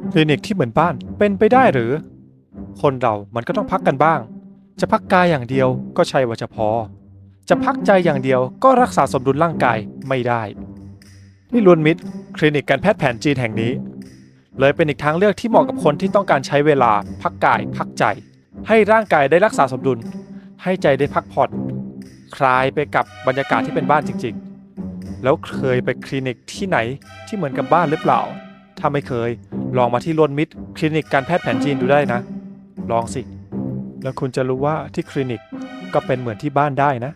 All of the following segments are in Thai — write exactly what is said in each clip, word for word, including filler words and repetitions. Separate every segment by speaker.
Speaker 1: คลินิกที่เหมือนบ้านเป็นไปได้หรือคนเรามันก็ต้องพักกันบ้างจะพักกายอย่างเดียวก็ใช่ว่าจะพอจะพักใจอย่างเดียวก็รักษาสมดุลร่างกายไม่ได้ที่ล้วนมิตรคลินิกการแพทย์แผนจีนแห่งนี้เลยเป็นอีกทางเลือกที่เหมาะกับคนที่ต้องการใช้เวลาพักกายพักใจให้ร่างกายได้รักษาสมดุลให้ใจได้พักผ่อนคลายไปกับบรรยากาศที่เป็นบ้านจริงๆแล้วเคยไปคลินิกที่ไหนที่เหมือนกับบ้านหรือเปล่าถ้าไม่เคยลองมาที่ล้วนมิตรคลินิกการแพทย์แผนจีนดูได้นะลองสิแล้วคุณจะรู้ว่าที่คลินิกก็เป็นเหมือนที่บ้านได้นะ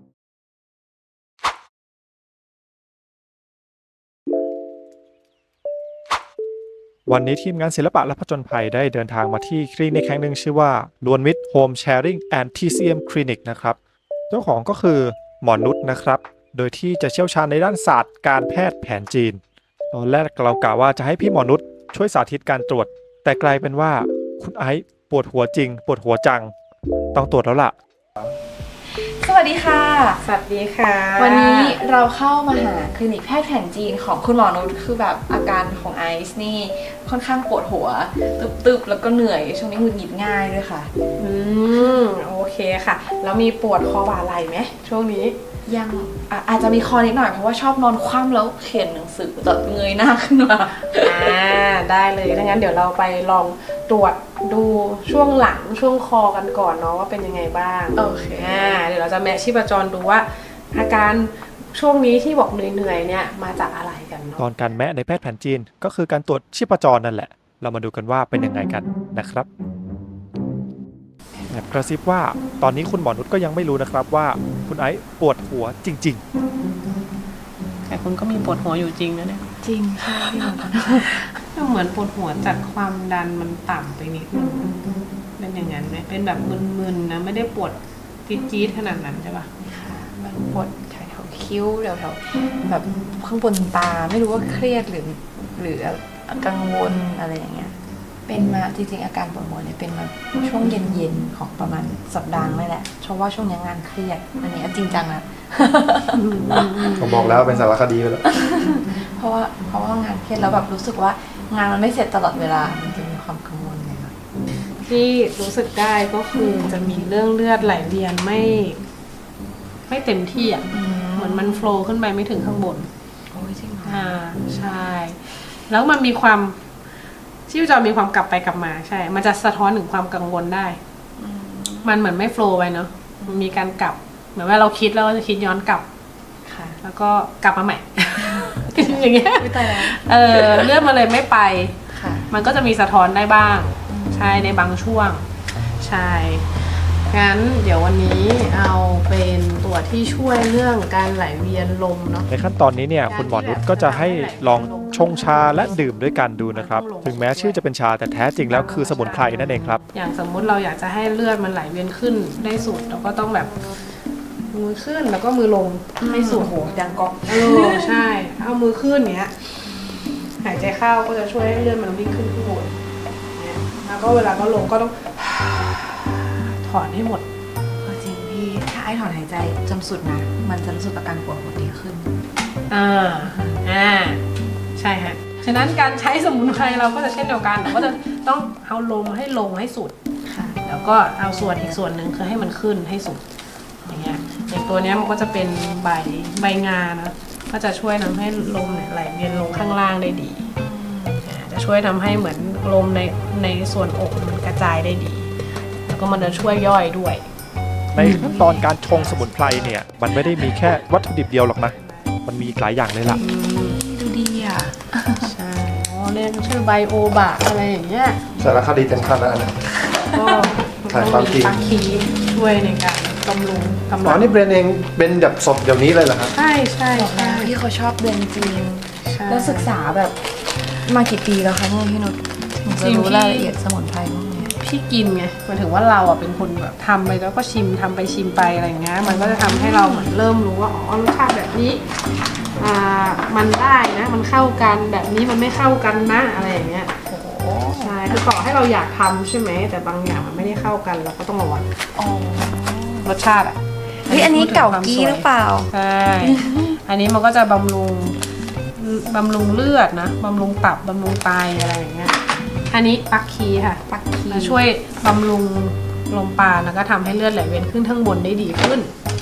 Speaker 1: วันนี้ทีมงานศิลปะและผจญภัยได้เดินทางมาที่คลินิกแห่งหนึ่งชื่อว่าล้วนมิตร Home Sharing and ที ซี เอ็ม Clinic นะครับเจ้าของก็คือหมอนุชนะครับโดยที่จะเชี่ยวชาญในด้านศาสตร์การแพทย์แผนจีนตอนแรกเรากะว่าจะให้พี่หมอนุชช่วยสาธิตการตรวจแต่กลายเป็นว่าคุณไอซ์ปวดหัวจริงปวดหัวจังต้องตรวจแล้วล่ะ
Speaker 2: สวัสดีค่ะ
Speaker 3: สวัสดีค่ะ
Speaker 2: วันนี้เราเข้ามาหาคลินิกแพทย์แผนจีนของคุณหมอนุชคือแบบอาการของไอซ์นี่ค่อนข้างปวดหัวตึบๆแล้วก็เหนื่อยช่วงนี้หงุดหงิดง่ายด้วยค่ะ
Speaker 3: อืมโอเคค่ะแล้วมีปวดคอบ่าไหล่ไหมช่วงนี้
Speaker 2: ยังอ่ะอาจจะมีคอนิดหน่อยเพราะว่าชอบนอนคว่ำแล้วเขียนหนังสือแบบเงยหน้าขึ้นมา
Speaker 3: อ่าได้เลยถ้างั้นเดี๋ยวเราไปลองตรวจดูช่วงหลังช่วงคอกันก่อนเนาะว่าเป็นยังไงบ้าง
Speaker 2: โอเค
Speaker 3: อ่าเดี๋ยวเราจะแมทชีพจรดูว่าอาการช่วงนี้ที่บอกเหนื่อยๆเนี่ยมาจากอะไรกันเนาะ
Speaker 1: ตอนการแมะในแพทย์แผนจีนก็คือการตรวจชีพจรนั่นแหละเรามาดูกันว่าเป็นยังไงกันนะครับแบบกระซิบว่าตอนนี้คุณหมอนุชก็ยังไม่รู้นะครับว่าคุณไอซ์ปวดหัวจริง
Speaker 3: ๆแต่คุณก็มีปวดหัวอยู่จริงนะเนี่ย
Speaker 2: จริงค่ะพี่หมอ
Speaker 3: เหมือนปวดหัวจากความดันมันต่ำไปนิดนึงเป็นอย่างนั้นไหมเป็นแบบมึนๆนะไม่ได้ปวดจี๊ดๆขนาดนั้นใช่ปะ
Speaker 2: ค่ะมันปวดแถวๆคิ้วแถวๆแบบข้างบนตาไม่รู้ว่าเครียดหรือหรือกังวลอะไรอย่างเงี้ยเป็นมาจริงๆอาการปวดหัวเนี่ยเป็นมาช่วงเย็นๆของประมาณสัปดาห์นี่แหละเพราะว่าช่วงนี้งานเครียดอันนี้จริงจังนะ
Speaker 1: ผมบอกแล้วเป็นสารคดีไปแล้ว
Speaker 2: เพราะว่าเพราะว่างานเครียดแล้วแบบรู้สึกว่างานมันไม่เสร็จตลอดเวลามันจะมีความกังวลเลยค่ะ
Speaker 3: ที่รู้สึกได้ก็คือจะมีเรื่องเลือดไหลเวียนไม่ไม่เต็มที่อ่ะเหมือนมันโฟลว์ขึ้นไปไม่ถึงข้างบน
Speaker 2: โอ้ยจริงเหรอ
Speaker 3: อ่าใช่แล้วมันมีความชีพจรมีความกลับไปกลับมาใช่มันจะสะท้อนถึงความกังวลได้มันเหมือนไม่โฟลว์ไปเนาะมันมีการกลับเหมือนว่าเราคิดแล้วจะคิดย้อนกลับ
Speaker 2: ค่ะ
Speaker 3: แล้วก็กลับมาใหม่อย่างเงี้ย
Speaker 2: ไม่ตายแล้ว
Speaker 3: เออเลือดมันเลยไม่ไป
Speaker 2: ค่ะ
Speaker 3: มันก็จะมีสะท้อนได้บ้างใช่ในบางช่วงใช่งั้นเดี๋ยววันนี้เอาเป็นตัวที่ช่วยเรื่องการไหลเวียนลมเนาะ
Speaker 1: ในขั้นตอนนี้เนี่ยคุณหมอนุชก็จะให้ลองชงชาและดื่มด้วยกันดูนะครับถึงแม้ชื่อจะเป็นชาแต่แท้จริงแล้วคือสมุนไพรนั่นเองครับ
Speaker 3: อย่างสมมุติเราอยากจะให้เลือดมันไหลเวียนขึ้นได้สุดเราก็ต้องแบบมือขึ้นแล้วก็มือลงให้สุด
Speaker 2: โหดังก๊อก
Speaker 3: เออใช่เอามือขึ้นเนี้ยหายใจเข้าก็จะช่วยให้เลือดมันวิ่งขึ้นข้างบนเนี่ยแล้วก็เวลาก็ลงก็ต้องถอนให้หมด
Speaker 2: จริงพี่ถ้าไอ้ถอนหายใจจนสุดนะมันจะรู้สึกอาการปวดหัวดีขึ้น
Speaker 3: อ่าอ่าใช่ฮะฉะนั้นการใช้สมุนไพรเราก็จะเช่นเดียวกันเราก็จะต้องเอาลมให้ลงให้สุด
Speaker 2: ค่ะ
Speaker 3: แล้วก็เอาส่วนอีกส่วนหนึ่งคือให้มันขึ้นให้สุดอย่างเงี้ยอย่างตัวนี้มันก็จะเป็นใบใบงานะก็จะช่วยทำให้ลมเนี่ยไหลเวียนลงข้างล่างได้ดีจะช่วยทำให้เหมือนลมในในส่วนอกมันกระจายได้ดีแล้วก็มันจะช่วยย่อยด้วย
Speaker 1: ในขั้นตอนการชงสมุนไพรเนี่ยมันไม่ได้มีแค่วัตถุดิบเดียวหรอกนะมันมีอีกหลายอย่างเลยล่ะ
Speaker 2: ดูดีอ่ะ
Speaker 3: ใช่อ๋อเรียกชื่อไบโอบะอะไรอย่างเงี้ย
Speaker 1: สารคดีเต็มขั้นแล้วนะ
Speaker 3: ก็ถ่ายความจริงปาคีช่วยในการบำรุงกำลัง
Speaker 1: อ๋อนี่เบรนเองเป็นแบบสดเดี๋ยวนี้เลยเหรอครับ
Speaker 3: ใช่ใช่ใช่
Speaker 2: พี่เขาชอบเบรนจริงแล้วศึกษาแบบมากี่ปีแล้วคะเนี่ยพี่นุชจะรู้รายละเอียดสมุนไพรพวกนี้
Speaker 3: พี่กินไงหมายถึงว่าเราอ่ะเป็นคนแบบทำไปแล้วก็ชิมทำไปชิมไปอะไรอย่างเงี้ยมันก็จะทำให้เราเหมือนเริ่มรู้ว่าอ๋อรสชาติแบบนี้อ่ามันได้นะมันเข้ากันแบบนี้มันไม่เข้ากันนะอะไรอย่างเงี้ยใช่คือต่อให้เราอยากทำใช่ไหมแต่บางอย่างมันไม่ได้เข้ากันเราก็ต้องระวังรสชาติอ่ะ
Speaker 2: เฮ้ยอันนี้เก่ากี้หรือเปล่า
Speaker 3: ใช่อันนี้มันก็จะบำรุงบำรุงเลือดนะบำรุงตับบำรุงไตอะไรอย่างเงี้ยอันนี้ปักคีค่ะ
Speaker 2: ปักคี
Speaker 3: จะช่วยบำรุงลมปราณแล้วก็ทำให้เลือดไหลเวียนขึ้นข้างบนได้ดีขึ้น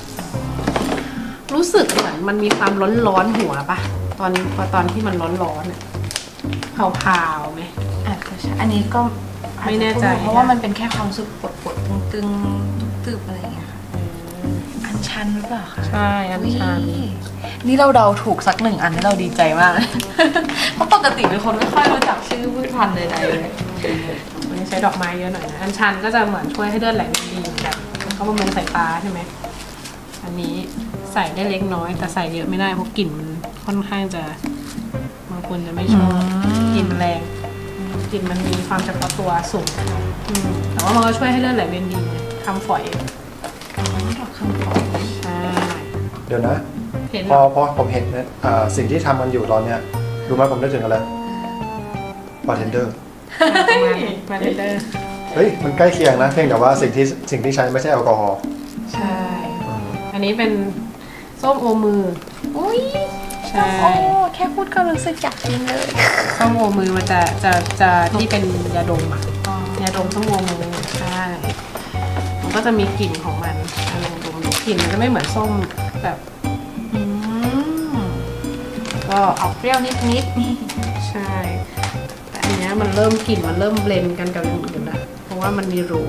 Speaker 3: รู้สึกเหมือนมันมีความร้อนร้อนๆหัวปะตอนพอตอนที่มันร้อนร้อนๆอะเผาๆไหม
Speaker 2: อาจจะใช่อันนี้ก็
Speaker 3: ไม่แน่ใจ
Speaker 2: เพราะว่ามันเป็นแค่ความรู้สึกปวดปวดตึงตึงๆตึบๆอะไรอย่างเงี้ยค่ะอันชันหรือเปล่าคะ
Speaker 3: ใช่อันชัน
Speaker 2: อุ๊ยนี่เราเดาถูกสักหนึ่งอันนี่เราดีใจมากเลย เพราะปกติเป็นคนไม่ค่อยรู้จักชื่อพืชพันธุ์ใดๆเลย
Speaker 3: วันนี้ใช้ดอกไม้เยอะหน่อยนะอันชันก็จะเหมือนช่วยให้เลือดไหลเวียนดีเหมือนกันแล้วก็บำรุงสายตาใช่ไหมอันนี้ใส่ได้เล็กน้อยแต่ใส่เยอะไม่ได้เพราะกลิ่นมันค่อนข้างจะบางคนจะไม่ชอบกลิ่นมันแรงกลิ่นมันมีความเฉพาะตัวสูงอืมแต่ว่ามันก็ช่วยให้เลือดไหลเวียนดีทำฝอย
Speaker 2: ดอกคำขอ
Speaker 3: ใช่
Speaker 1: เดี๋ยวนะ
Speaker 3: เห็น
Speaker 1: พอพอผมเห็นเนี่ยอ่าสิ่งที่ทำกันอยู่ตอนเนี้ยรู้ไหมผมนึกถึงอะไรบาร์เทนเดอร์
Speaker 3: ประมาณบาร์เทนเดอร์
Speaker 1: เฮ้ยมันใกล้เคียงนะเพียงแต่ว่าสิ่งที่สิ่งที่ใช้ไม่ใช่แอลกอฮอล์
Speaker 3: ใช่ อันนี้เป็นส้มโอมือ
Speaker 2: อุ้ย
Speaker 3: ใช่
Speaker 2: โอ้แค่พูดก็รู้สึกอยากกินเลย
Speaker 3: ส้มโอมือมันจะจะจะที่เป็นยาดมอ่ะยาดมส้มโอมือใช่มันก็จะมีกลิ่นของมันอ่ะลองดมดูกลิ่นมันจะไม่เหมือนส้มแบบ
Speaker 2: อืมก็ออกเปรี้ยวนิดนิด
Speaker 3: ใช่แต่อันเนี้ยมันเริ่มกลิ่นมันเริ่มเบลนด์กันกับอย่างอื่นละเพราะว่ามันมีรู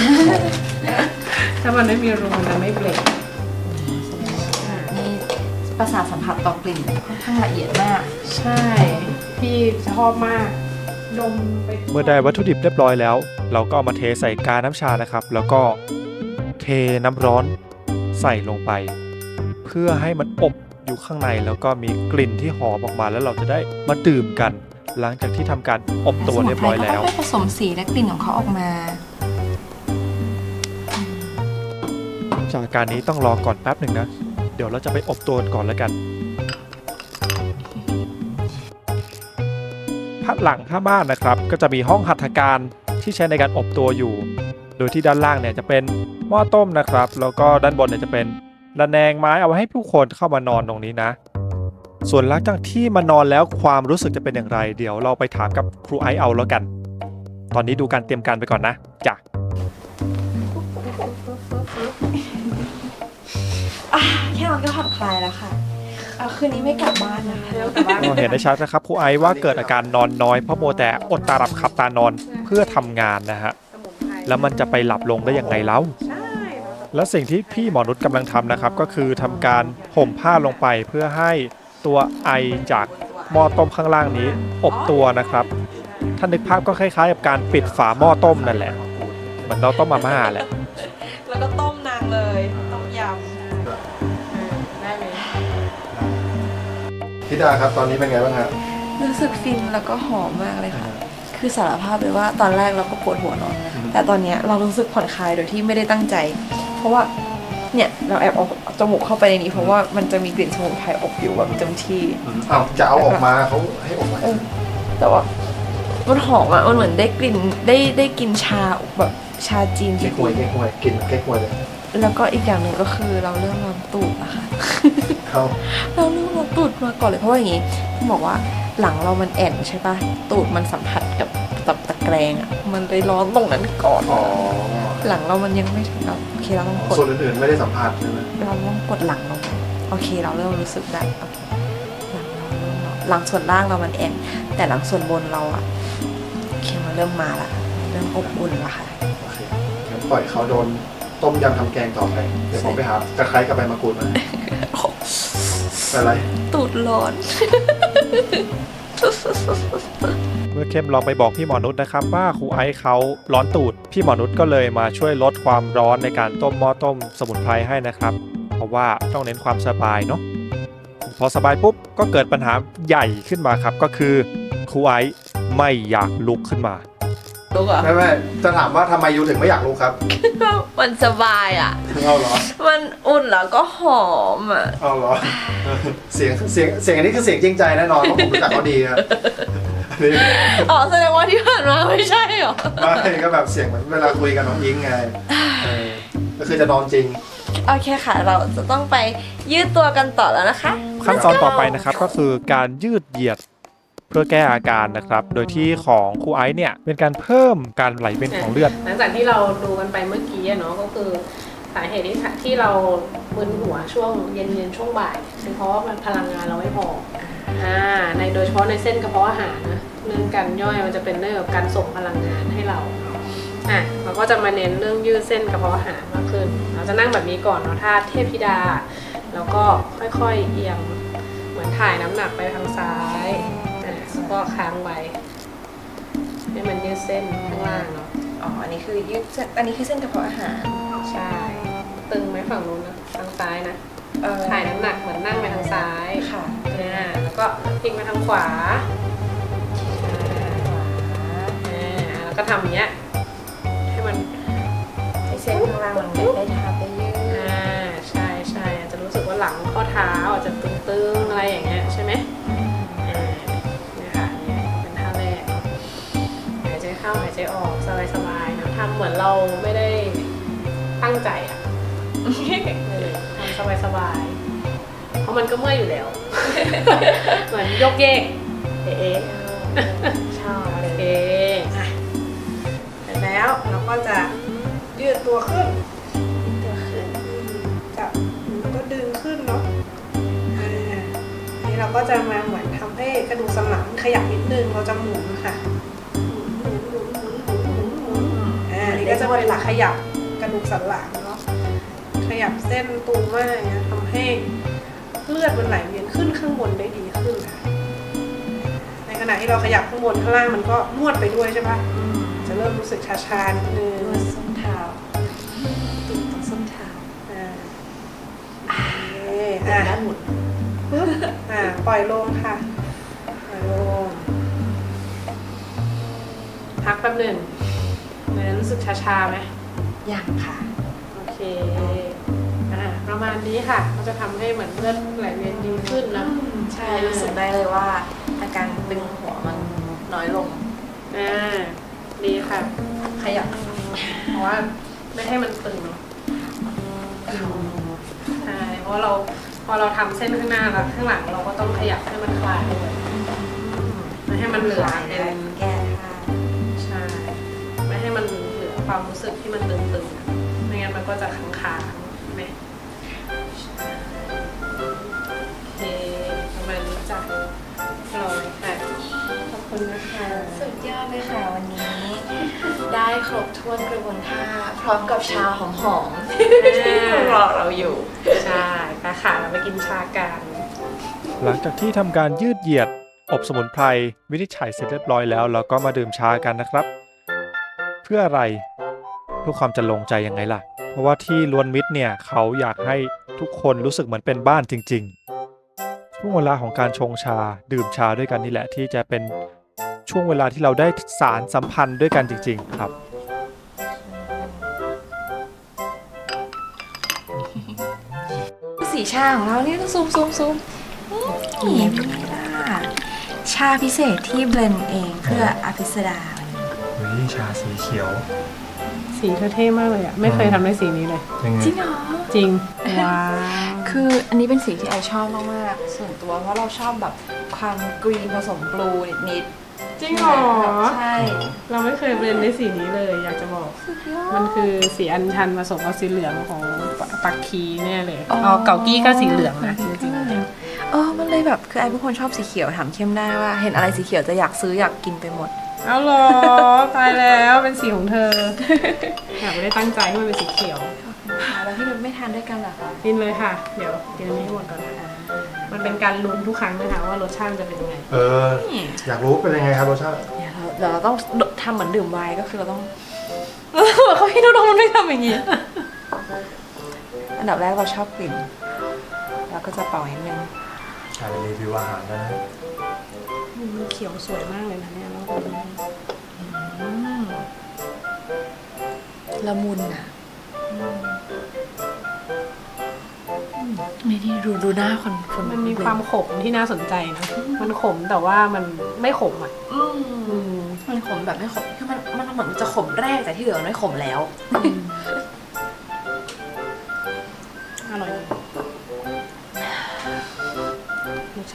Speaker 3: ถ้ามันไม่มีรูมันจะไม่เบลนด์
Speaker 2: นี่ประสาทสัมผัสต่อกลิ่นค่อนข้างละเอียดมาก
Speaker 3: ใช่พี่ชอบมากดมไป
Speaker 1: เมื่อได้วัตถุดิบเรียบร้อยแล้ว เราก็เอามาเทใส่กาน้ำชานะครับ แล้วก็เทน้ำร้อนใส่ลงไป เพื่อให้มันอบอยู่ข้างในแล้วก็มีกลิ่นที่หอมออกมาแล้วเราจะได้มาดื่มกัน หลังจากที่ทำการอบตัวเรียบร้อยแล้ว
Speaker 2: สมุนไพรก็ค่อยๆผสมสีและกลิ่นของเขาออกมา
Speaker 1: จากการนี้ต้องรอก่อนแป๊บหนึ่งนะ เดี๋ยวเราจะไปอบตัวก่อนแล้วกันพัดหลังผ้าม่านนะครับ ก็จะมีห้องหัตถการที่ใช้ในการอบตัวอยู่ โดยที่ด้านล่างเนี่ยจะเป็นหม้อต้มนะครับ แล้วก็ด้านบนเนี่ยจะเป็นระแนงไม้เอาไว้ให้ผู้คนเข้ามานอนตรงนี้นะ ส่วนหลังจากที่มานอนแล้วความรู้สึกจะเป็นอย่างไร เดี๋ยวเราไปถามกับครูไอซ์เอาแล้วกัน ตอนนี้ดูการเตรียมการไปก่อนนะจ้ะ
Speaker 2: อ่ะแค่นอนก็ผ่อนคลายแล้วค่ะเอาคืนนี้ไม่กลับบ้านนะคะ
Speaker 3: เร็วแต่ว่า
Speaker 1: ก็เห็นได้ชัดนะครับครูไอซ์ว่าเกิดอาการนอนน้อยเพราะโมวแต่อดตาหลับขับตานอนเพื่อทำงานนะฮะ
Speaker 3: สมุนไพร
Speaker 1: แล้วมันจะไปหลับลงได้ยังไงเล่า
Speaker 3: ใช่
Speaker 1: และสิ่งที่พี่หมอนุชกำลังทำนะครับ ก็คือทำการห่มผ้าลงไปเพื่อให้ตัวไอจากหม้อต้มข้างล่างนี้อบตัวนะครับถ้านึกภาพก็คล้ายๆกับการปิดฝาหม้อต้มนั่นแหละเหมือนเราต้มมาม่าแหละ
Speaker 2: แล้วก็ต้มนางเลยต้มย
Speaker 3: ได้ไหม
Speaker 1: พี่ดาครับตอนนี้เป็นไงบ้างครับ
Speaker 2: ำรู้สึกฟินแล้วก็หอมมากเลยค่ะ คือสารภาพเลยว่าตอนแรกเราก็ปวดหัวนอนแต่ตอนเนี้ยเรารู้สึกผ่อนคลายโดยที่ไม่ได้ตั้งใจ เพราะว่าเนี่ยเราแอบเอาจมูกเข้าไปในนี้เพราะว่ามันจะมีกลิ่นสมุนไพรอบอยู่แบบเต็มที่
Speaker 1: อ้าวจะเอาออกมาเขาให้ออกมา
Speaker 2: เออแต่ว่ามันหอมอ่ะมันเหมือนได้กลิ่นได้ได้กินชาแบบชาจีนจ
Speaker 1: เก๊
Speaker 2: ริ
Speaker 1: กฮวย
Speaker 2: ง
Speaker 1: เก๊กฮวยกินเก๊กฮวยเลย
Speaker 2: ๆแล้วก็อีกอย่างหนึ่งก็คือเราเริ่มร้อนตูดนะคะ
Speaker 1: เขา
Speaker 2: เราเริ่มร้อนตูดมาก่อนเลยเพราะว่าอย่างงี้ที่บอกว่าหลังเรามันแอนใช่ปะตูดมันสัมผัสกับกับตะแกรงอ่ะมันเลยร้อนตรงนั้นก่อน
Speaker 1: อ๋อ
Speaker 2: หลังเรามันยังไม่ถึงเราโอเคเราต้องกด
Speaker 1: ส่วนอื่นๆไม่ได้สัมผัสใช่ไหม
Speaker 2: เราต้องกดหลังลงไปโอเคเราเริ่มรู้สึกได้โอเคหลังเราเริ่มร้อนหลังส่วนล่างเรามันแอนแต่หลังส่วนบนเราอ่ะโอเคมันเริ่มมาละเริ่มอบอุ่นละค่ะ
Speaker 1: โอเคงั้นปล่อยเขาโดนต้มยำทำแกงต่อไปเดี๋ยวผมไปหาตะไคร้กับใบมะกรูดมาอะไร
Speaker 2: ตูดร้อน
Speaker 1: เมื่อเข้มลองไปบอกพี่หมอนุชนะครับว่าครูไอซ์เขาร้อนตูดพี่หมอนุชก็เลยมาช่วยลดความร้อนในการต้มหม้อต้มสมุนไพรให้นะครับ เพราะว่าต้องเน้นความสบายเนาะพอสบายปุ๊บก็เกิดปัญหาใหญ่ขึ้นมาครับก็คือครูไอซ์ไม่อยากลุกขึ้นมา
Speaker 2: ลุกอ่ะ
Speaker 1: ไม่ไม่จะถามว่าทำไมยูถึงไม่อยากลุกครับ
Speaker 2: มันสบายอ่ะ
Speaker 1: เอาเหรอ
Speaker 2: มันอุ่นแล้วก็หอมอ่ะ
Speaker 1: เอาเหรอ เสียงเสียงเสียงอันนี้คือเสียงจริงใจแน่นอนเพราะผมรู้จักเขาดีครับนี่
Speaker 2: อ๋อแสดงว่าที่ผ่านมาไม่ใช่เหรอ
Speaker 1: ไม่ก็แบบเสียงเหมือนเวลาคุยกับน้องยิงไงเออก็คือจะนอนจริง
Speaker 2: โอเคค่ะ เราจะต้องไปยืดตัวกันต่อแล้วนะคะ
Speaker 1: ขั้นตอนต่อไปนะครับก็คือการยืดเหยียดเพื่อแก้อาการนะครับ โดยที่ของครูไอซ์เนี่ยเป็นการเพิ่มการไหลเวียนของเลือด
Speaker 3: หลังจากที่เราดูกันไปเมื่อกี้อะเนาะก็คือสาเหตุที่ที่เรามึนหัวช่วงเย็นๆช่วงบ่ายเป็นเพราะว่ามันพลังงานเราไม่พออ่าในโดยเฉพาะในเส้นกระเพาะอาหารนะเรื่องการย่อยมันจะเป็นเรื่องกับการส่งพลังงานให้เราอ่ะเราก็จะมาเน้นเรื่องยืดเส้นกระเพาะอาหารมากขึ้นเราจะนั่งแบบนี้ก่อนเนาะท่าเทพธิดาแล้วก็ค่อยๆเอียงเหมือนถ่ายน้ำหนักไปทางซ้ายอ่ะแล้วก็ค้างไว้ให้มันยืดเส้นข้างล่างเนาะ
Speaker 2: อ๋อ อันนี้คือยืดเส้นอันนี้คือเส้นกระเพาะอาหาร
Speaker 3: ใช่ ตึงไหมฝั่งนู้นนะทางซ้ายนะ
Speaker 2: เออ
Speaker 3: ถ่ายน้ำหนักเหมือนนั่งไปทางซ้าย
Speaker 2: ค่ะ
Speaker 3: อ่าแล้วก็พลิกมาทางขวาอ่าแล้วก็ทำอย่างเงี้ยให้มัน
Speaker 2: ให้เส้นข้างล่างมันได้ทับได้ยืด
Speaker 3: อ่าใช่ใช่อาจจะรู้สึกว่าหลังข้อเท้าอาจจะตึงๆอะไรอย่างเงี้ยใช่ไหมอ่าเนี่ยค่ะเนี่ยเป็นท่าแรกหายใจเข้าหายใจออกสบายๆนะทำเหมือนเราไม่ได้ตั้งใจอ่ะ เออทำสบายๆ เพราะมันก็เมื่อยอยู่แล้ว เหมือนยกเยกเอ๊ะ
Speaker 2: ชอบ
Speaker 3: โอ
Speaker 2: เลย
Speaker 3: เคอ่ะเสร็จแล้วเราก็จะยืดตัวขึ้น
Speaker 2: ตัวขึ้น
Speaker 3: จับแล้วก็ดึงขึ้นเนาะอ่าอันนี้เราก็จะมาเหมือนทำให้กระดูกสันหลังขยับนิดนึงเราจะหมุนค่ะหมุนหมุนหมุนหมุนหมุนหมุนหมุนอ่าอันนี้ก็จะเป็นหลักขยับกระดูกสันหลังเนาะ ขยับเส้นตูมากเนี่ยทำให้เลือดมันไหลเวียนขึ้นข้างบนได้ดีขึ้นค่ะในขณะที่เราขยับข้างบนข้างล่างมันก็นวดไปด้วยใช่ปะจะเริ่มรู้สึกชาๆนิดนึง
Speaker 2: นวดส้นเท้าตีตรงส้นเท้า
Speaker 3: อ่าโอเคอ่ะ
Speaker 2: ด้านหมุน
Speaker 3: ปึ๊บอ่าปล่อยลงค่ะปล่อยลงพักแป๊บหนึ่งมันรู้สึกชาๆไหม
Speaker 2: ยังค่ะ
Speaker 3: โอเค อ่า ประมาณนี้ค่ะ ก็จะทำให้เหมือนเลือดไหลเวียนดีขึ้นนะ
Speaker 2: ใช่ รู้สึกได้เลยว่า อาการตึงหัวมันน้อยลง
Speaker 3: อ่า ดีค่ะ
Speaker 2: ขยับ
Speaker 3: เพราะว่าไม่ให้มันตึงเนอะใช่ เพราะว่าเรา พอเราทำเส้นข้างหน้าแล้วข้างหลังเราก็ต้องขยับให้มันคลายด้วยไม่ให้มันเหลือเป็น
Speaker 2: แก้ท่า
Speaker 3: ใช่ ไม่ให้มันเหลือความรู้สึกที่มันตึงๆอะไม่งั้นมันก็จะค้างๆใช่ไหมโอเคประมาณนี้จ้ะรอเลยค่ะ ขอบคุณนะคะ
Speaker 2: สุดยอดเลยค่ะวันนี้ ได้ครบถ้วนกระบวนท่าพร้อมกับชาหอมๆที่รอเราอยู่
Speaker 3: ใช่ไปค่ะเราไปกินชากัน
Speaker 1: หลังจากที่ทำการยืดเหยียดอบสมุนไพรวินิจฉัยเสร็จเรียบร้อยแล้วเราก็มาดื่มชากันนะครับ เพื่ออะไรเพื่อความจะลงใจยังไงล่ะ เพราะว่าที่ล้วนมิตรเนี่ยเขาอยากให้ทุกคนรู้สึกเหมือนเป็นบ้านจริงๆช่วงเวลาของการชงชาดื่มชาด้วยกันนี่แหละที่จะเป็นช่วงเวลาที่เราได้สารสัมพันธ์ด้วยกันจริงๆครับ
Speaker 2: สีชาของเรานี่ต้องซูมซูมซูมนี่เป็นไงล่ะชาพิเศษที่เบลนด์เองเพื่ออภิสดา
Speaker 1: เฮ้ยชาสีเขียว
Speaker 3: สีเธอเท่มากเลยอ่ะ ไม่เคยทำในสีนี้เลย
Speaker 1: ยังไง
Speaker 2: จริงเหรอ
Speaker 3: จริง ว้าว
Speaker 2: คืออันนี้เป็นสีที่ไอชอบมากๆส่วนตัวเพราะเราชอบแบบความกรีนผสมบลูนิดๆ
Speaker 3: จริงเหรอ
Speaker 2: ใช่
Speaker 3: เราไม่เคยเบลนด์ในสีนี้เลย อยากจะบอก
Speaker 2: สุดยอด
Speaker 3: มันคือสีอัญชันผสมกับสีเหลืองของปักคีแน่เลย
Speaker 2: อ๋อ
Speaker 3: อ๋อเก่ากี้ก็สีเหลืองนะจริงๆแล้ว
Speaker 2: เออมันเลยแบบคือไอเป็นคนชอบสีเขียวถามเข้มได้ว่า เห็นอะไรสีเขียวจะอยากซื้ออยากกินไปหมด
Speaker 3: เอาเหรอ ตายแล้วเป็นสีของเธอ อยากไม่ได้ตั้งใจให้มันเป็นสีเขียว
Speaker 2: แล้วพี่นุชไม่ทานด้วยกันเหรอคะ
Speaker 3: กินเลยค่ะ เดี๋ยวกินอันนี้ให้หมดก่อนนะคะมันเป็นการลุ้นทุกครั้งนะคะว่ารสชาติมันจะเป็นยังไง
Speaker 1: เออ อยากรู้เป็นยังไงครับรสชาติ
Speaker 2: เดี๋ยวเราเดี๋ยวเราต้องทำเหมือนดื่มไวน์ก็คือเราต้อง เขาพี่นุชมันไม่ทำอย่างนี้ อันดับแรกเราชอบกลิ่นเราก็จะเป่านิดนึง
Speaker 1: อ่านรีวิวอาหารนะ
Speaker 3: มันเขียวสวยมากเลยนะเนี่ยแล้วก็
Speaker 2: อืมละมุนอ่ะนี่ที่ดูดูหน้าคนคน
Speaker 3: มันมีความขมที่น่าสนใจนะ มันขมแต่ว่ามันไม่ขมอ่ะ
Speaker 2: อืม
Speaker 3: อืม
Speaker 2: มันขมแบบไม่ขมคือมันมันเหมือนจะขมแรกแต่ที่เหลือมันไม่ขมแล้ว
Speaker 3: อร่อย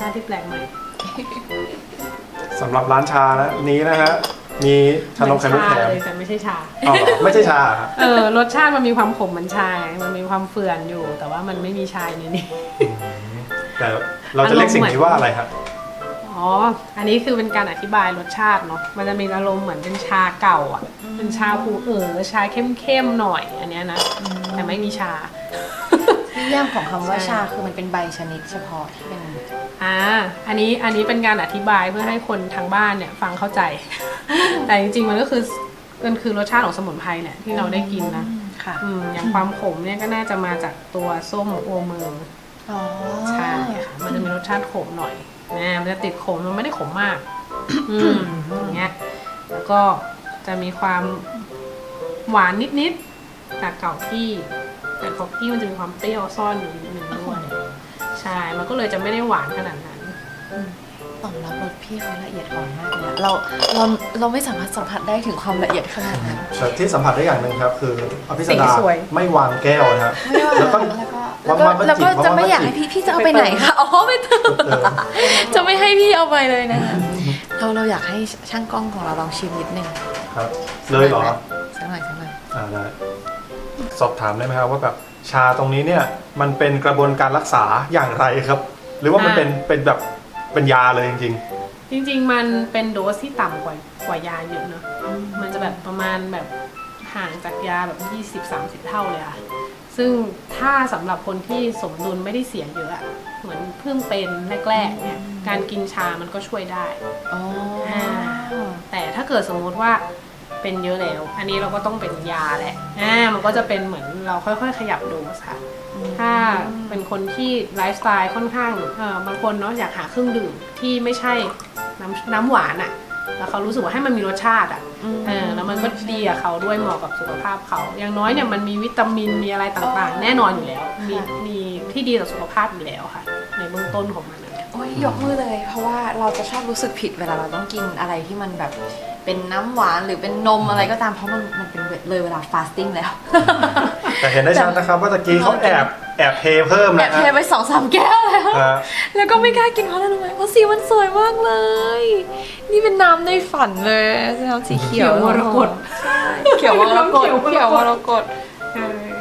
Speaker 3: าติที่แปลกใหม่
Speaker 1: สำหรับร้านชานะนี้นะฮะมีชานมไข่มุกแถม
Speaker 3: เลยแต่ไม่ใช่ชา
Speaker 1: อ๋อเหรอไม่ใช่ชาเหรอ
Speaker 3: เออรสชาติมันมีความขมเหมือนชามันมีความเฟื่อนอยู่ แต่ว่ามันไม่มีชาในนี้
Speaker 1: แต่เราจะเรียกสิ่งนี้ว่าอะไรครับ
Speaker 3: อ๋อ อันนี้คือเป็นการอธิบายรสชาติเนาะ มันจะมีอารมณ์เหมือนเป็นชาเก่าอ่ะ เป็นชาผูเอ๋อชาเข้มๆหน่อยอันเนี้ยนะ แต่ไม่มีชา
Speaker 2: นิยามของคำว่า
Speaker 3: ใช่
Speaker 2: ชาคือมันเป็นใบชนิดเฉพาะที่เป็น
Speaker 3: อ่า อันนี้อันนี้เป็นการอธิบายเพื่อให้คนทางบ้านเนี่ยฟังเข้าใจ แต่จริงๆมันก็คือมันคือรสชาติของสมุนไพรเนี่ยที่เราได้กินนะ
Speaker 2: ค่ะ
Speaker 3: อืมอย่างความขมเนี่ยก็น่าจะมาจากตัวส้มโอเมือง
Speaker 2: อ๋อ
Speaker 3: ใช่ค่ะมันจะมีรสชาติขมหน่อยนะมันจะติดขมมันไม่ได้ขมมาก อืมอย่างเงี้ยแล้วก็จะมีความหวานนิดๆจากเก่าที่แต่ของพี่มันจะมีความเปรี้ยวซ่อนอยู่นิดนึงด้วยใช่มันก็เลยจะไม่ได้หวานขนาดนั้น
Speaker 2: ตอนรับรสพี่เขาละเอียดอ่อนมากเลยอะเราเราเราไม่สามารถสัมผัสได้ถึงความละเอียดขนาดนั้น
Speaker 1: แต่ที่สัมผัสได้อย่างหนึ่งครับคืออภิสดา
Speaker 3: สีสวย
Speaker 1: ไม่วางแก้วนะฮะ
Speaker 2: ไม่ว่า
Speaker 1: แล้วก็
Speaker 2: แล้วก็แล้วก็
Speaker 1: วางๆ
Speaker 2: แล้วก็
Speaker 1: จิบ
Speaker 2: จะไม่
Speaker 1: วางๆ
Speaker 2: อยากให้พี่พี่จะเอาไปไหนคะอ๋อไม่ต้อง
Speaker 1: เออ
Speaker 2: จะไม่ให้พี่เอาไปเลยนะคะเราเราอยากให้ช่างกล้องของเราลองชิมนิดนึง
Speaker 1: ครับ เลยเหรอ
Speaker 2: สักหน่อยสักหน่อย
Speaker 1: อ่าได้สอบถามได้ไหมครับว่าแบบชาตรงนี้เนี่ยมันเป็นกระบวนการรักษาอย่างไรครับ หรือว่ามันเป็นเป็นแบบเป็นยาเลยจริง
Speaker 3: จริงๆมันเป็นโดสที่ต่ำกว่ากว่ายาเยอะเนอะมันจะแบบประมาณแบบห่างจากยาแบบ ยี่สิบถึงสามสิบ เท่าเลยค่ะ ซึ่งถ้าสำหรับคนที่สมดุลไม่ได้เสียเยอะอะเหมือนเพิ่งเป็นแรกๆเนี่ยการกินชามันก็ช่วยได้
Speaker 2: อ๋อ
Speaker 3: แต่ถ้าเกิดสมมุติว่าเป็นเยอะแล้ว อันนี้เราก็ต้องเป็นยาแหละอ่ามันก็จะเป็นเหมือนเราค่อยๆ ขยับโดสค่ะ ถ้าเป็นคนที่ไลฟ์สไตล์ค่อนข้างเออบางคนเนาะอยากหาเครื่องดื่มที่ไม่ใช่น้ำน้ำหวานอะ่ะแล้วเขารู้สึกว่าให้มันมีรสชาติอะ่ะเออแล้วมันก็ดีกับเขาด้วยเหมาะกับสุขภาพเขาอย่างน้อยเนี่ยมันมีวิตามินมีอะไรต่างๆ แน่นอนอยู่แล้ว มีมีที่ดีต่อสุขภาพอยู่แล้วค่ะ ในเบื้องต้นของมันนะ
Speaker 2: โอ้ยยกมือเลย เพราะว่าเราจะชอบรู้สึกผิดเวลาเราต้องกินอะไรที่มันแบบเป็นน้ำหวานหรือเป็นนมอะไรก็ตามเพราะมันมันเป็นเลยเวลาฟาสติ้งแล้ว
Speaker 1: ๆ แต่เห็นได้ชัดนะครับว่าตะกี้เขาแอบแอบเทเพิ่ม
Speaker 2: แอ
Speaker 1: นะ
Speaker 2: บเทไปสองสามแก้วแล้ว
Speaker 1: ฮะ
Speaker 2: แล้วก็ไม่กล้ากินเพราะอะไรรู้ไหมเพราะสีมันสวยมากเลย นี่เป็นน้ำในฝันเลยน้ำสีเขียว
Speaker 3: เขียวมรกต
Speaker 2: ใช่เขียวมรกต
Speaker 3: เขียวมรกต
Speaker 2: เขียวมรกต
Speaker 3: ใช่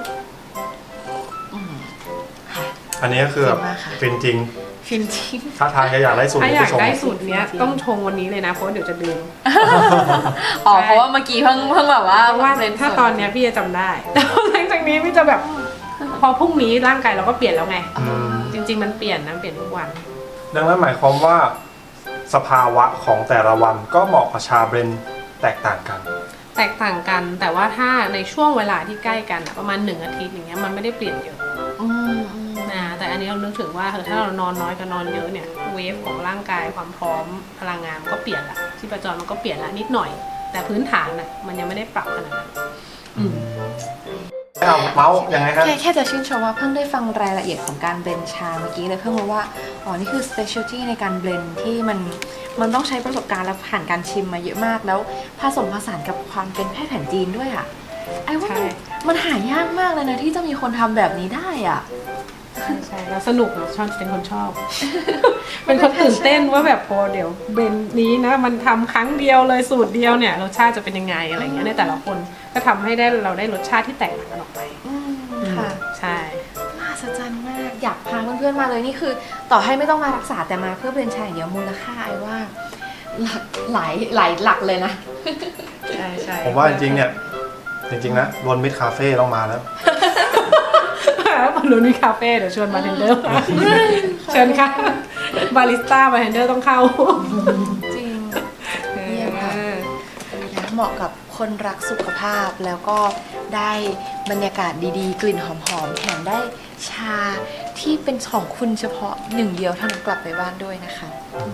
Speaker 1: อันนี้ก็คือแบบ
Speaker 2: ฟินมากค่ะ
Speaker 1: ฟินจริง
Speaker 2: ฟินจริง
Speaker 1: ถ้าทางจะอยากได้สูตร
Speaker 3: ถ้า
Speaker 1: นี้
Speaker 3: อยา
Speaker 1: ไป
Speaker 3: ก
Speaker 1: ชม
Speaker 3: ได้สูตรเนี้ยต้องชงวันนี้เลยนะเพราะเดี๋ยวจะลืม
Speaker 2: อ๋อเพราะว่าเมื่อกี้เพิ่งเพิ่งแบบว่า
Speaker 3: เพราะว่า
Speaker 2: ล่
Speaker 3: ถ้าตอนเนี้ยพี่จะจำได้ แต่หลังจากนี้พี่จะแบบ พอพรุ่งนี้ร่างกายเราก็เปลี่ยนแล้วไง
Speaker 1: อืม
Speaker 3: จริง ๆ มันเปลี่ยนนะเปลี่ยนทุกวัน
Speaker 1: ดังนั้นหมายความว่าสภาวะของแต่ละวันก็เหมาะกับชาเบรนด์แตกต่างกัน
Speaker 3: แตกต่างกัน แต่ว่าถ้าในช่วงเวลาที่ใกล้กันอะประมาณหนึ่งอาทิตย์อย่างเงี้ยมันไม่ได้เปลี่ยนเยอะ
Speaker 2: อืมอืม
Speaker 3: นะแต่อันนี้เรานึกถึงว่าเออถ้าเรานอนน้อยกับนอนเยอะเนี่ยเวฟของร่างกายความพร้อมพลังงานมันก็เปลี่ยนละที่ประจรมันก็เปลี่ยนละนิดหน่อย แต่พื้นฐานน่ะมันยังไม่ได้ปรับขนาดนั้นอืม
Speaker 1: เอาเมาส์ยังไงครับ
Speaker 2: แค่แค่จะชื่นชมว่าเพิ่งได้ฟังรายละเอียดของการเบลนด์ชาเมื่อกี้เลยเพิ่งรู้ว่าอ๋อนี่คือ specialty ในการเบลนด์ที่มันมันต้องใช้ประสบการณ์และผ่านการชิมมาเยอะมากแล้วผสมผสานกับความเป็นแพทย์แผนจีนด้วยอ่ะไอ้ว่ามันมันหายากมากเลยนะที่จะมีคนทำแบบนี้ได้อ่ะ
Speaker 3: ใช่ใช่แล้วสนุกอะชอบเป็นคนชอบ เป็นคนตื่นเต้นว่าแบบพอเดี๋ยวเบนนี้นะมันทำครั้งเดียวเลยสูตรเดียวเนี่ยรสชาติจะเป็นยังไงอะไรเงี้ยในแต่ละคนก็ทำให้ได้เราได้รสชาติที่แตกต่างกันออกไป
Speaker 2: อืมค่ะ
Speaker 3: ใช่
Speaker 2: มหัศจรรย์มากอยากพาเพื่อนๆมาเลยนี่คือ ต่อให้ไม่ต้องมารักษาแต่มาเพื่อเบลนด์ชาอย่างเดียวมูลค่าไอ้ว่าหลักหลายหลายหลักเลยนะ
Speaker 3: ใช่ใช่
Speaker 1: ผมว่าจริงๆเนี่ยจริงๆนะรวนมิตรคาเฟ่ต้องมาแล้ว
Speaker 3: แล้วบอลลูนมีคาเฟ่เดี๋ยวชวนบาร์เทนเดอร์มาเชิญค่ะบาริสต้าบาร์เทนเดอร์ต้องเข้า
Speaker 2: จริง เยี่ยมค่ะ นะเหมาะกับคนรักสุขภาพแล้วก็ได้บรรยากาศดีๆ กลิ่นหอมๆแถมได้ชาที่เป็นของคุณเฉพาะหนึ่งเดียวเท่านั้นกลับไปบ้านด้วยนะคะ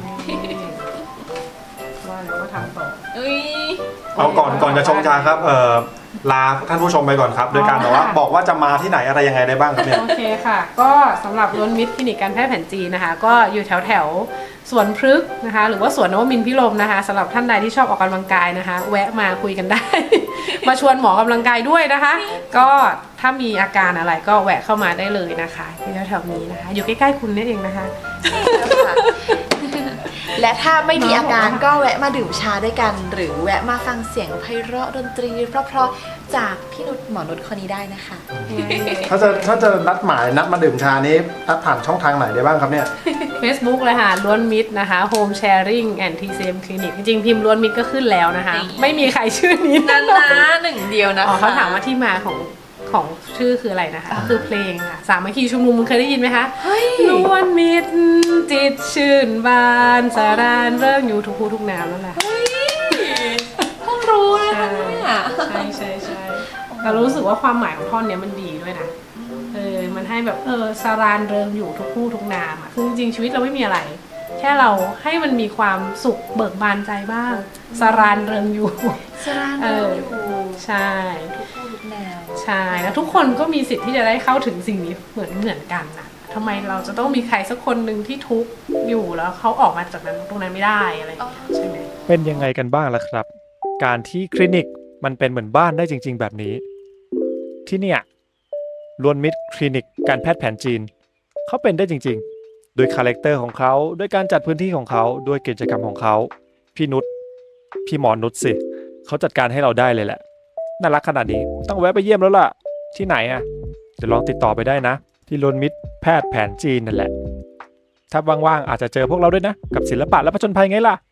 Speaker 3: ว่าแล้วก็ทำต่อ
Speaker 2: อุ้ย
Speaker 1: เอาก่อนก่อนจะชงชาครับเอ่อลาท่านผู้ชมไปก่อนครับ โดยการบอกว่าบอกว่าจะมาที่ไหนอะไรยังไงได้บ้างครับเนี่ย
Speaker 3: โอเคค่ะ ก็สำหรับล้วนมิตรคลินิกการแพทย์แผนจีนนะคะ ก็อยู่แถวแถวๆสวนพฤกษ์นะคะ หรือว่าสวนนวมินทร์พิรมนะคะสำหรับท่านใดที่ชอบออกกำลังกายนะคะ แวะมาคุยกันได้ มาชวนหมอกำลังกายด้วยนะคะ ก็ถ้ามีอาการอะไรก็แวะเข้ามาได้เลยนะคะที่แถวๆนี้นะคะ อยู่ใกล้ๆคุณนี่เองนะคะ
Speaker 2: ค่ะและถ้าไม่มีอาการก็แวะมาดื่มชาด้วยกัน หรือแวะมาฟังเสียงไพเราะดนตรีเพราะๆจากพี่นุชหมอนุชคนนี้ได้นะคะ
Speaker 4: ถ้าจะถ้าจะนัดหมายนัดมาดื่มชานี้นัดผ่านช่องทางไหนได้บ้างครับเนี่ย
Speaker 3: Facebook เลยค่ะล้วนมิตรนะคะ Home Sharing and ที ซี เอ็ม Clinic จริงๆพิมพ์ล้วนมิตรก็ขึ้นแล้วนะคะ
Speaker 2: นี่
Speaker 3: ไม่มีใครชื่อนี้
Speaker 2: นั่นนะหนึ่งเดียวนะคะ
Speaker 3: อ๋อเขาถามว่าที่มาของของชื่อคืออะไรนะคะก็คือเพลงค่ะสามัคคีชุมนุมมึงเคยได้ยินไหมคะ
Speaker 2: เฮ้ย
Speaker 3: ล้วนมิตรจิตชื่นบานสารานเรื่องอยู่ทุกภูทุกน้ำนั่นแหละ
Speaker 2: เฮ้ยเพิ่งรู้นะคะเนี่ย
Speaker 3: ใช่ใช่ใช่เรารู้สึกว่าความหมายของท่อนเนี้ยมันดีด้วยนะเออมันให้แบบเออสารานเริงอยู่ทุกภูทุกน้ำอ่ะคือจริงๆชีวิตเราไม่มีอะไร แค่เราให้มันมีความสุขเบิกบานใจบ้างสารานเริงอยู่
Speaker 2: สรานเราอยู่
Speaker 3: ใช่
Speaker 2: ทุกผู้ทุกแนว
Speaker 3: ใช่แล้วทุกคนก็มีสิทธิ์ที่จะได้เข้าถึงสิ่งนี้เหมือนเหมือนกันนะทำไมเราจะต้องมีใครสักคนหนึ่งที่ทุกข์อยู่แล้วเขาออกมาจากนั้นตรงนั้นไม่ได้อะไรอย่างเงี้ยใช่ไหม
Speaker 1: เป็นยังไงกันบ้างล่ะครับ การที่คลินิกมันเป็นเหมือนบ้านได้จริง ๆ แบบนี้ ที่เนี่ยล้วนมิตรคลินิกการแพทย์แผนจีนเขาเป็นได้จริงๆ โดยคาแรคเตอร์ของเขาด้วยการจัดพื้นที่ของเขาด้วยกิจกรรมของเขาพี่นุชพี่หมอนุชสิเขาจัดการให้เราได้เลยแหละน่ารักขนาดนี้ต้องแวะไปเยี่ยมแล้วล่ะที่ไหนอ่ะเดี๋ยวลองติดต่อไปได้นะ ที่ล้วนมิตรแพทย์แผนจีนนั่นแหละถ้าว่างๆอาจจะเจอพวกเราด้วยนะกับศิลปะและผจญภัยไงล่ะ